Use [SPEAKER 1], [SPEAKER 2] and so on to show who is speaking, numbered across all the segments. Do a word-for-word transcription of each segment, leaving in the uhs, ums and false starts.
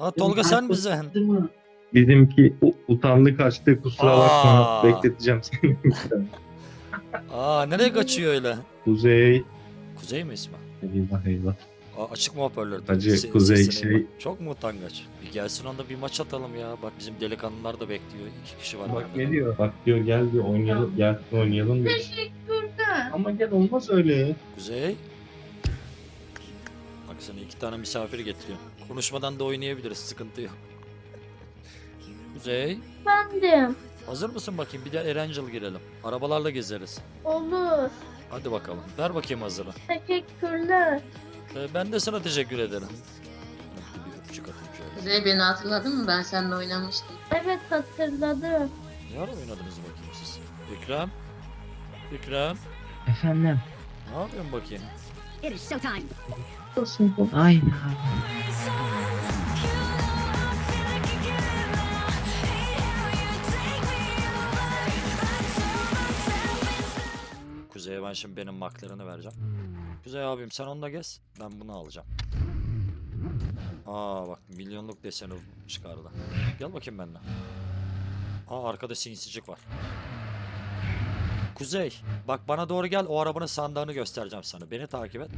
[SPEAKER 1] Aa Tolga sen misin?
[SPEAKER 2] Bizimki u- utandı kaçtı, kusura bakma,
[SPEAKER 1] Aa.
[SPEAKER 2] bekleteceğim seni.
[SPEAKER 1] Aa nereye kaçıyor öyle?
[SPEAKER 2] Kuzey.
[SPEAKER 1] Kuzey mi ismi?
[SPEAKER 2] Eyvah eyvah.
[SPEAKER 1] Aa, açık mı hoparlör?
[SPEAKER 2] Hacı,
[SPEAKER 1] Se-
[SPEAKER 2] Kuzey
[SPEAKER 1] sesini
[SPEAKER 2] şey-
[SPEAKER 1] inme. Çok mu utangaç? Bir gelsin onda bir maç atalım ya. Bak bizim delikanlılar da bekliyor. İki kişi var.
[SPEAKER 2] Bak
[SPEAKER 1] bende.
[SPEAKER 2] ne diyor? Bak diyor gel diyor oynayalım, gel oynayalım diyor.
[SPEAKER 3] Teşekkürler.
[SPEAKER 2] Ama gel olmaz öyle.
[SPEAKER 1] Kuzey. Bak sana iki tane misafir getiriyorum. Konuşmadan da oynayabiliriz. Sıkıntı yok. Kuzey.
[SPEAKER 3] Efendim.
[SPEAKER 1] Hazır mısın bakayım? Bir de Erencil girelim. Arabalarla gezeriz.
[SPEAKER 3] Olur.
[SPEAKER 1] Hadi bakalım. Ver bakayım hazırı.
[SPEAKER 3] Teşekkürler.
[SPEAKER 1] Ee, ben de sana teşekkür ederim. Bir öpücük atayım şöyle.
[SPEAKER 4] Kuzey beni hatırladın mı? Ben seninle oynamıştım.
[SPEAKER 3] Evet hatırladım.
[SPEAKER 1] Ne ara oynadınız bakayım siz? Ekrem. Ekrem.
[SPEAKER 5] Efendim.
[SPEAKER 1] Ne yapıyorsun bakayım?
[SPEAKER 6] It is showtime.
[SPEAKER 5] Aynen.
[SPEAKER 1] Kuzey'e ben şimdi benim maklarını vereceğim. Kuzey abim sen onunla gez. Ben bunu alacağım. Aa bak milyonluk deseni çıkardı. Gel bakayım benimle. Aa arkada sinsicik var. Kuzey bak bana doğru gel, o arabanın sandığını göstereceğim sana. Beni takip et.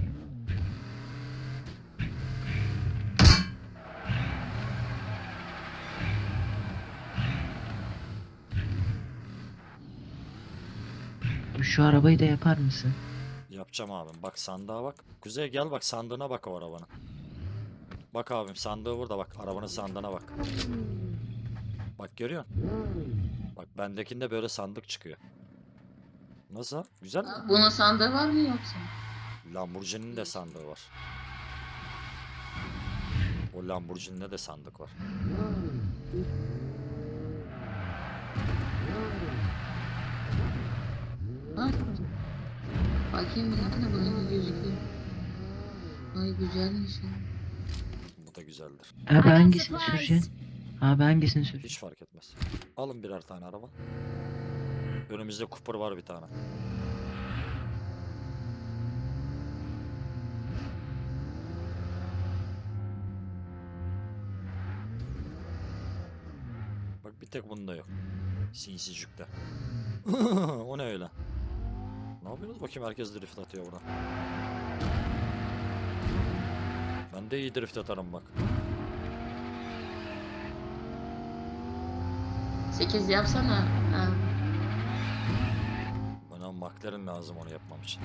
[SPEAKER 5] Şu arabayı da yapar mısın?
[SPEAKER 1] Yapacağım abim. Bak sandığa bak. Kuzey gel bak sandığına bak o arabanın. Bak abim sandığı burada bak. Arabanın sandığına bak. Bak görüyor musun? Bak bendekinde böyle sandık çıkıyor. Nasıl? Güzel mi?
[SPEAKER 4] Aa, bunun sandığı var mı yoksa?
[SPEAKER 1] Lamborghini'nin de sandığı var. O Lamborghini'de de sandık var.
[SPEAKER 4] Ha? Bakayım bunun da bunun gözüküyor. Ay güzelmiş ya.
[SPEAKER 1] Bu da güzeldir.
[SPEAKER 5] Abi hangisini süreceksin? Abi hangisini süreceksin?
[SPEAKER 1] Hiç fark etmez. Alın birer tane araba. Önümüzde Cooper var bir tane. Bak bir tek bunda yok. Sinsicikte. O ne öyle? Ne yapıyorsunuz bakayım, herkes drift atıyor burada. Ben de iyi drift atarım bak.
[SPEAKER 4] sekiz yapsana. Ha.
[SPEAKER 1] Bana McLaren lazım onu yapmam için.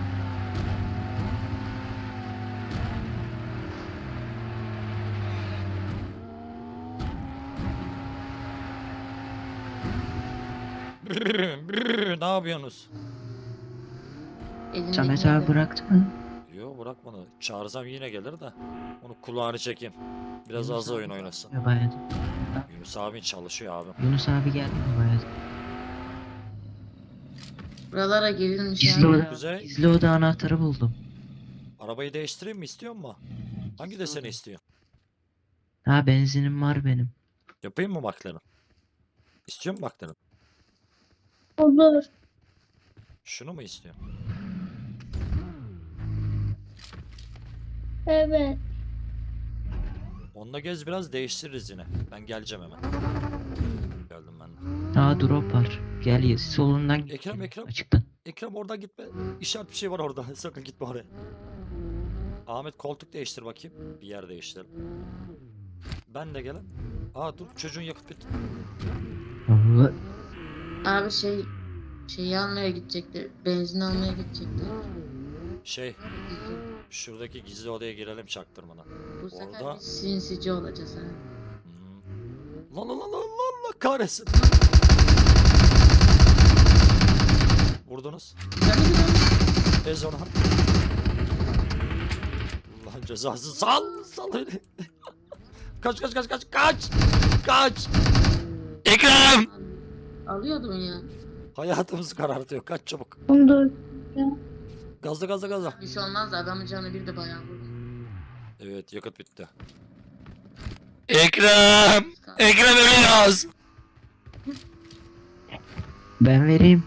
[SPEAKER 1] Ne yapıyorsunuz?
[SPEAKER 4] Elindeki
[SPEAKER 5] Samet abi
[SPEAKER 4] de-
[SPEAKER 5] bıraktı mı?
[SPEAKER 1] Yo bırakmadı. Çağırsam yine gelir de. Onu kulağını çekeyim. Biraz
[SPEAKER 5] Yunus
[SPEAKER 1] az
[SPEAKER 5] abi
[SPEAKER 1] oyun oynasın.
[SPEAKER 5] Ya bayağı.
[SPEAKER 1] Yunus abi çalışıyor abim.
[SPEAKER 5] Yunus abi geldi mi bayağı?
[SPEAKER 4] Buralara girilmiş
[SPEAKER 5] Gizli
[SPEAKER 4] abi.
[SPEAKER 5] oda,
[SPEAKER 1] Kuzey.
[SPEAKER 5] gizli oda anahtarı buldum.
[SPEAKER 1] Arabayı değiştireyim mi, istiyor mu? Hangi deseni istiyor?
[SPEAKER 5] Ha benzinim var benim.
[SPEAKER 1] Yapayım mı McLaren? İstiyor mu McLaren?
[SPEAKER 3] Olur.
[SPEAKER 1] Şunu mu istiyor?
[SPEAKER 3] Evet.
[SPEAKER 1] Onunla gez biraz, değiştiririz yine. Ben geleceğim hemen. Geldim ben de.
[SPEAKER 5] Aa drop var. Gel ya solundan git.
[SPEAKER 1] Ekrem, Ekrem.
[SPEAKER 5] Açıktan.
[SPEAKER 1] Ekrem oradan gitme. İşaret bir şey var orada. Sakın gitme oraya. Ahmet koltuk değiştir bakayım. Bir yer değiştirelim. Ben de gelen. Aa dur, çocuğun yakıt bitti.
[SPEAKER 5] Allah.
[SPEAKER 4] Abi şey şeyi almaya gidecekler. Benzin almaya gidecekler.
[SPEAKER 1] Şey, şuradaki gizli odaya girelim çaktırmadan.
[SPEAKER 4] Bu sefer
[SPEAKER 1] Orada-
[SPEAKER 4] biz sinsici olacağız ha.
[SPEAKER 1] Hmm. Lan lan lan lan lan kahretsin. Vurdunuz.
[SPEAKER 4] Güzel mi güzel?
[SPEAKER 1] Ez onu. Allah'ın cezası, sal sal beni. Kaç kaç kaç kaç kaç. Kaç. Ekrem.
[SPEAKER 4] Alıyordum ya.
[SPEAKER 1] Hayatımızı karartıyor. Kaç çabuk.
[SPEAKER 3] Olur.
[SPEAKER 1] Gazla gazla gazla.
[SPEAKER 4] Bir şey olmaz da adamın canı bir de bayağı vurdu.
[SPEAKER 1] Evet yakıt bitti. Ekrem. Ekrem ölüyoruz.
[SPEAKER 5] Ben vereyim.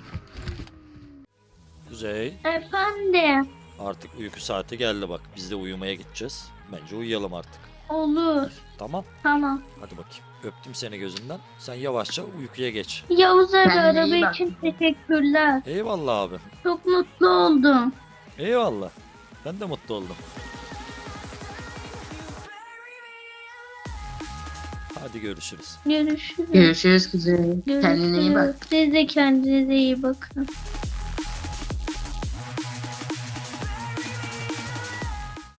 [SPEAKER 1] Kuzey.
[SPEAKER 3] Efendim.
[SPEAKER 1] Artık uyku saati geldi bak. Biz de uyumaya gideceğiz. Bence uyuyalım artık.
[SPEAKER 3] Olur.
[SPEAKER 1] Tamam.
[SPEAKER 3] Tamam.
[SPEAKER 1] Hadi bakayım. Öptüm seni gözünden. Sen yavaşça uykuya geç.
[SPEAKER 3] Yavuz abi
[SPEAKER 4] Kendine iyi
[SPEAKER 3] araba
[SPEAKER 4] bak.
[SPEAKER 3] için teşekkürler.
[SPEAKER 1] Eyvallah abi.
[SPEAKER 3] Çok mutlu oldum.
[SPEAKER 1] Eyvallah. Ben de mutlu oldum. Hadi görüşürüz.
[SPEAKER 3] Görüşürüz.
[SPEAKER 4] Görüşürüz kuzey. Kendine iyi bak.
[SPEAKER 3] Görüşürüz. Siz de kendinize iyi bakın.